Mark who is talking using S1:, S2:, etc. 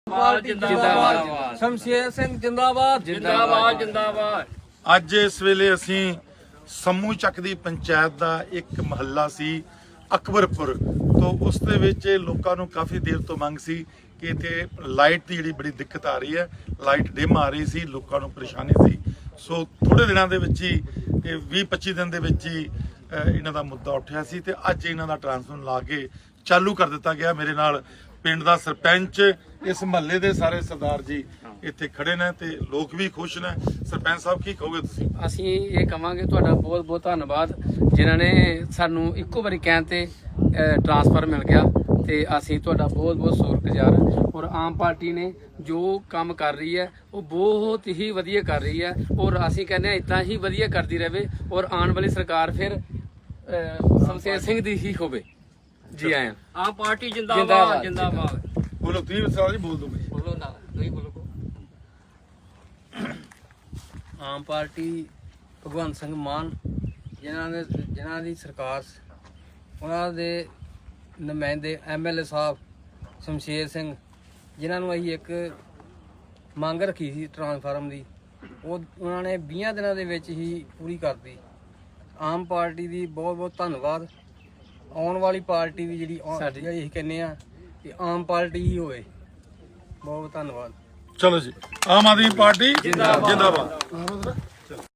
S1: ਜਿੰਦਾਬਾਦ ਸ਼ਮਸ਼ੇਰ ਸਿੰਘ ਜਿੰਦਾਬਾਦ ਜਿੰਦਾਬਾਦ ਜਿੰਦਾਬਾਦ।
S2: ਅੱਜ ਇਸ ਵੇਲੇ ਅਸੀਂ ਸਮੂਹ ਚੱਕ ਦੀ ਪੰਚਾਇਤ ਦਾ ਇੱਕ ਮਹੱਲਾ ਸੀ ਅਕਬਰਪੁਰ ਤੋਂ, ਉਸ ਦੇ ਵਿੱਚ ਲੋਕਾਂ ਨੂੰ ਕਾਫੀ ਦੇਰ ਤੋਂ ਮੰਗ ਸੀ ਕਿ ਇੱਥੇ ਲਾਈਟ ਦੀ ਜਿਹੜੀ ਬੜੀ ਦਿੱਕਤ ਆ ਰਹੀ ਹੈ, ਲਾਈਟ ਡਿਮ ਆ ਰਹੀ ਸੀ, ਲੋਕਾਂ ਨੂੰ ਪਰੇਸ਼ਾਨੀ ਸੀ। ਸੋ ਥੋੜੇ ਦਿਨਾਂ ਦੇ ਵਿੱਚ ਹੀ 20-25 ਦਿਨ ਦੇ ਵਿੱਚ ਹੀ ਇਹਨਾਂ ਦਾ ਮੁੱਦਾ ਉੱਠਿਆ ਸੀ ਤੇ ਅੱਜ ਇਹਨਾਂ ਦਾ ਟਰਾਂਸਫਾਰਮਰ ਲਾ ਕੇ ਚਾਲੂ ਕਰ ਦਿੱਤਾ ਗਿਆ। ਮੇਰੇ ਨਾਲ ਪਿੰਡ ਦਾ ਸਰਪੰਚ, ਇਸ ਮਹੱਲੇ ਦੇ ਸਾਰੇ ਸਰਦਾਰ ਜੀ ਇੱਥੇ ਖੜੇ ਨੇ ਤੇ ਲੋਕ ਵੀ ਖੁਸ਼ ਨੇ। ਸਰਪੰਚ ਸਾਹਿਬ ਕੀ ਕਹੋਗੇ ਤੁਸੀਂ?
S1: ਅਸੀਂ ਇਹ ਕਵਾਂਗੇ ਤੁਹਾਡਾ ਬਹੁਤ ਬਹੁਤ ਧੰਨਵਾਦ ਜਿਨ੍ਹਾਂ ਨੇ ਸਾਨੂੰ ਇੱਕੋ ਵਾਰੀ ਕਹਿਣ ਤੇ ਟਰਾਂਸਫਰ ਮਿਲ ਗਿਆ ਤੇ ਅਸੀਂ ਤੁਹਾਡਾ ਬਹੁਤ ਬਹੁਤ ਸ਼ੁਕਰਗੁਜ਼ਾਰ ਹਾਂ। ਔਰ ਆਮ ਪਾਰਟੀ ਨੇ ਜੋ ਕੰਮ ਕਰ ਰਹੀ ਹੈ ਉਹ ਬਹੁਤ ਹੀ ਵਧੀਆ ਕਰ ਰਹੀ ਹੈ ਔਰ ਅਸੀਂ ਕਹਿੰਦੇ ਹਾਂ ਇਦਾਂ ਹੀ ਵਧੀਆ ਕਰਦੀ ਰਹੇ ਔਰ ਆਉਣ ਵਾਲੀ ਸਰਕਾਰ ਫਿਰ ਸ਼ਮਸ਼ੇਰ ਸਿੰਘ ਦੀ ਹੀ ਹੋਵੇ। ਜੀ ਆਇਆਂ। ਆਮ ਪਾਰਟੀ ਜਿੰਦਾਬਾਦ ਜਿੰਦਾਬਾਦ।
S2: ਬੋਲੋ ਤੁਸੀਂ ਸਾਰਾ ਜੀ ਬੋਲ ਦੋ।
S1: ਬੋਲੋ ਨਾ ਤੁਸੀਂ ਬੋਲੋ। ਆਮ ਪਾਰਟੀ ਭਗਵੰਤ ਸਿੰਘ ਮਾਨ ਜਿਨ੍ਹਾਂ ਦੀ ਸਰਕਾਰ, ਉਹਨਾਂ ਦੇ ਨੁਮਾਇੰਦੇ MLA ਸਾਹਿਬ ਸ਼ਮਸ਼ੇਰ ਸਿੰਘ, ਜਿਨ੍ਹਾਂ ਨੂੰ ਅਸੀਂ ਇੱਕ ਮੰਗ ਰੱਖੀ ਸੀ ਟਰਾਂਸਫਾਰਮ ਦੀ, ਉਹਨਾਂ ਨੇ 20 ਦਿਨਾਂ ਦੇ ਵਿੱਚ ਹੀ ਪੂਰੀ ਕਰਤੀ। ਆਮ ਪਾਰਟੀ ਦੀ ਬਹੁਤ ਬਹੁਤ ਧੰਨਵਾਦ। ਆਉਣ ਵਾਲੀ ਪਾਰਟੀ ਵੀ ਜਿਹੜੀ ਅਸੀਂ ਕਹਿੰਦੇ ਆ ਕਿ ਆਮ ਪਾਰਟੀ ਹੀ ਹੋਵੇ। ਬਹੁਤ ਧੰਨਵਾਦ।
S2: ਚਲੋ ਜੀ, ਆਮ ਆਦਮੀ ਪਾਰਟੀ ਜਿੰਦਾਬਾਦ।